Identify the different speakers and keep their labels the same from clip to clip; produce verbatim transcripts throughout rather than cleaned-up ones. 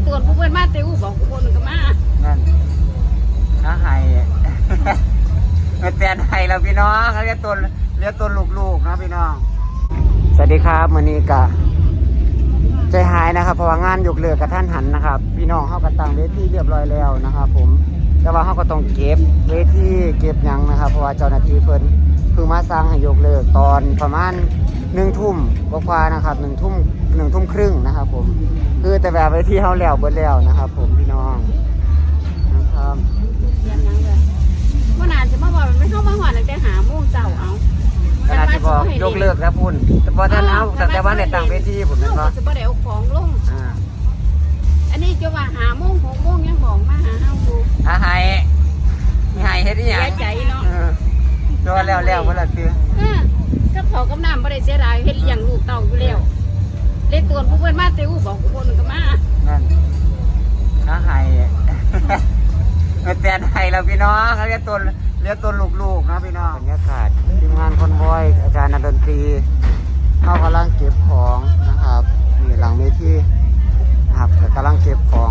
Speaker 1: ตัวผู้เพื่อนมาเตอูบอกผู้คนก็มา
Speaker 2: นั่นน้าไห้เป็นแฟนไห้เราพี่น้องเรียกตัวเรียกตัวลูกๆนะพี่น้องสวัสดีครับมื้อนี้กะใจหายนะครับเพราะว่างานยกเลิกกับท่านหันนะครับพี่น้องเขาก็ตั้งเวทีเรียบร้อยแล้วนะครับผมแต่ว่าเขาก็ต้องเก็บเวทีเก็บยังนะครับเพราะว่าเจ้าหน้าที่เพิ่นเพิ่งมาสั่งให้ยกเลิกตอนประมาณหนึ่งทุ่มกว่าๆนะครับหนึ่งทุ่มหนึ่งทุ่มครึ่งนะครับผมคือแต่แบบเวทีเขาแล้วเบิดแล้วนะครับผมพี่น้องนะครับ
Speaker 1: ยังยังเลยว่านานจะมาบอกไม่เข้ามาหอดแต่หาโมงเจ้าเอา
Speaker 2: ขนาดที่บอกยกเลิกแล้วพุ่นแต่พอท่านเอาแต่ว่าในต่างเวทีผมนั่นว่า
Speaker 1: จะบ่ได้เอาของลงอันนี้จะว่าหาโมงหกโมงยังบอกมาหาเฮาดู
Speaker 2: อาไห้มีไห้เฮ็ดอีหยัง
Speaker 1: เสียใจเนาะ
Speaker 2: โดนแล้วแล้วบ่ล่ะคือ
Speaker 1: ก็เผากับน้ำบ่ได้เสียดายเฮ็ดอย่างลูกเต่าอยู่แล้วเล่นตัวผู้เพื่อนมาเตอูบอกผู้คนก็มา
Speaker 2: นั่นอาไห้เป็นแฟนไห้เราพี่น้องเรียกตัวเรียกตัวลูกๆนะพี่น้องบรรยากาศทีมงานคอนวอยอาจารย์นักดนตรีเขากำลังเก็บของนะครับนี่หลังเวทีครับกำลังเก็บของ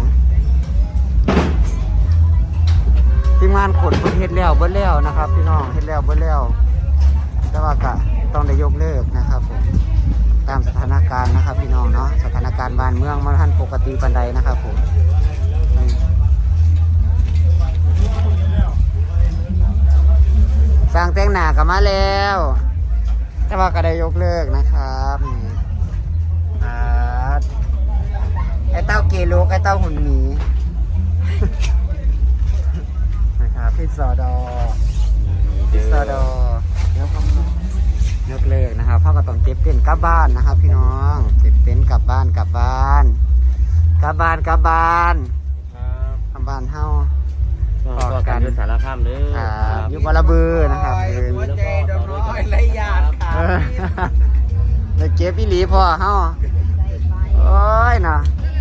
Speaker 2: ทีมงานขนเฮ็ดแล้วเบิ้ลแล้วนะครับพี่น้องเฮ็ดแล้วเบิ้ลแล้วแต่ว่ากะต้องได้ยกเลิกนะครับผมตามสถานการณ์นะครับพี่น้องเนาะสถานการณ์บ้านเมืองมันทันปกติปานใดนะครับผมสร้างแต่งหน้ากันมาแล้วแต่ว่าก็ได้ยกเลิกนะครับไอ้เต้าเกลูกไอ้เต้าหุ่นหมีนะครับพี่สอดอพี่สอดอยกเลิกนะครับพ่อก็ต้องเก็บเต็นท์กลับบ้านนะครับพี่น้องเก็บเต็นท์กลับบ้านกลับบ้านกลับบ้านกลับบ้านกลับบ้านเฮา
Speaker 3: ก็การยุทธสารข้ามเด้อ
Speaker 2: ยุบระเบือนะครับ
Speaker 3: หัวใจดอกน้อยไรยาด
Speaker 2: ครับเลยเก็บพี่หลีพ่อเฮาโอ้ยนะ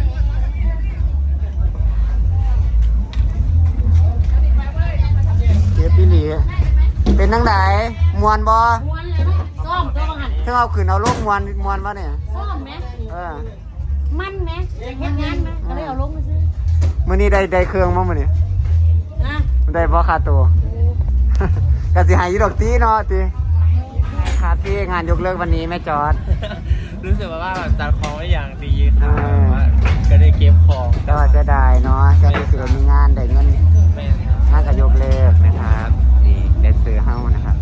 Speaker 2: เก็บพี่หลีเป็นนังไหนมวนบ่
Speaker 1: มวนเลยซ้อมตัวหัน
Speaker 2: ถ้าเอาขืนเอาลูกมวนมวนบ่เนี่ย
Speaker 1: ซ้อมไหม
Speaker 2: เออ
Speaker 1: มันไหมเฮ็ดงานไหมก็เลยเอาลงมาซื้อ
Speaker 2: มื้อนี้ได้ได้เครื่องมั้งมื้อนี้
Speaker 1: นะ
Speaker 2: ได้บ่ค่าตัวก็สิหายอยู่ดอกตีเนาะติค่าที่งานยกเลิกวันนี้แม่จอด
Speaker 3: รู้สึกว่าแบบจัดของไว้อย่างดีค่ะก็ได้เก็บของ
Speaker 2: แต่ว่าจะได้เนาะจะได้สิได้มีงานได้เงินงานก็ยกเลิกนะครับนี่ได้ซื้อเฮานะครับ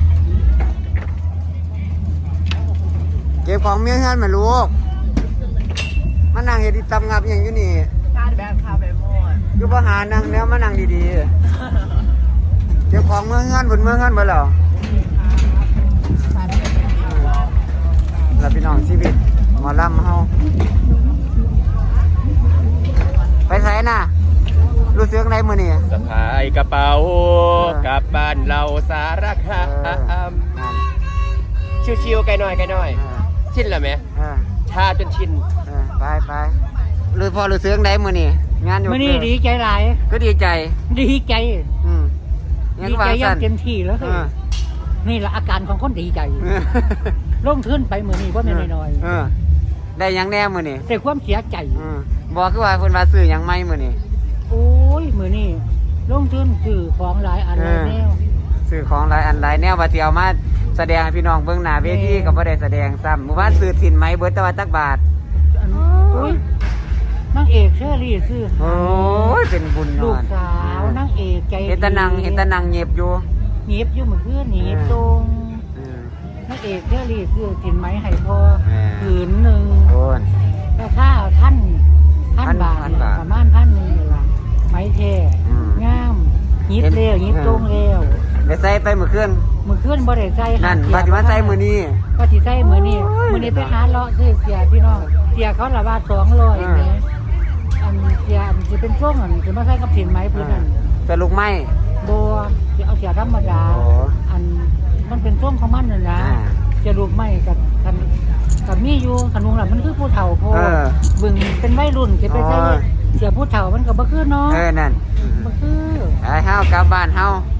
Speaker 2: เก็บของเมียเฮือนมาลูกมานั่งเฮ็ดตำงับอย่างอยู่นี่
Speaker 1: การแบบคาเฟ่โม่
Speaker 2: อยู่บ่หานั่งแล้วมานั่งดีๆเก็บของเมืองเฮือนบนเมืองเฮือนบ่แล้วแล้วพี่น้องชีวิตหมอลำเฮาไปไสน่ะรู้สึกไดมื้อนี้
Speaker 3: สะพายกระเป๋ากลับบ้านเราสารคามชิวๆไกลหน่อยไกลหน่อยชินแล้วไหมชาจนชิน
Speaker 2: ไปไปรู้พอรู้สึกไดมื้อนี้งานอยู่
Speaker 1: มื้อนี้ดีใจหลาย
Speaker 2: ก็ดีใจ
Speaker 1: ดีใจ
Speaker 2: อืม
Speaker 1: ดีใจอย่างเต็มที่แล้วคือนี่ละอาการของคนดีใจลงทุนไปมื้อนี้บ่แม่นน้อย
Speaker 2: ๆเออได้หยังแน่มื้อนี้
Speaker 1: ได้ความเสียใจ
Speaker 2: อือบ่คือว่าเพิ่นว่าซื้อหยังใหม่มื้อนี้
Speaker 1: โอ้ยมื้อนี้ลงทุนซื้อของหลายอันหลายแนว
Speaker 2: ซื้อของหลายอันหลายแนวว่าสิเอามาแสดงให้พี่น้องเบิ่งหน้าเวทีก็บ่ได้แสดงซ้ำหมู่บ้านซื้อสินไหมเบิดแต่ว่าจักบาท
Speaker 1: โอ้ยนางเอกเชอรี่ซื้อ
Speaker 2: โอ้ยเป็นบุญ
Speaker 1: ลูกสาวนางเอกใจ
Speaker 2: เห็นตะนังเห็นตะนังเงียบอยู่
Speaker 1: เงียบอยู่เมื่อคืนเงียบตรงนางเอกเชอรี่ซื้อสินไหมให้พ่อผืนหนึ่งราคาท่านท่านบาทประมาณพันหนึ่งเลยล่ะไหมเท่งามยิบเร็วยิบตรงเร็ว
Speaker 2: ได้ใส่ไปเมื่อคืน
Speaker 1: เมื่อคืนบ่ได้ใส่
Speaker 2: นั่นปฏิวัติใส่มื้อนี้
Speaker 1: ปฏิใส่มื้อนี้มื้อนี้ไปหาเลาะซื้อเสียพี่น้องเสียเขาละบาทสองร้อยแหมอันเสียอันสิเป็นช่วงอันสิมาใส่กับสินไหมพื้นนั่น
Speaker 2: จะลูกไม้
Speaker 1: บ่สิเอาเสียธรรมดาอันมันเป็นช่วงของมันนั่นนะจะลูกไม้กับกันกับมีอยู่ขนุนล่ะมันคือผู้เฒ่าพอบึงเป็นวัยรุ่นสิไปใส่เสียผู้เฒ่ามันก็บ่คือเนาะ
Speaker 2: เออนั่น
Speaker 1: บ่คือ
Speaker 2: ไอ้เฮากลับบ้านเฮา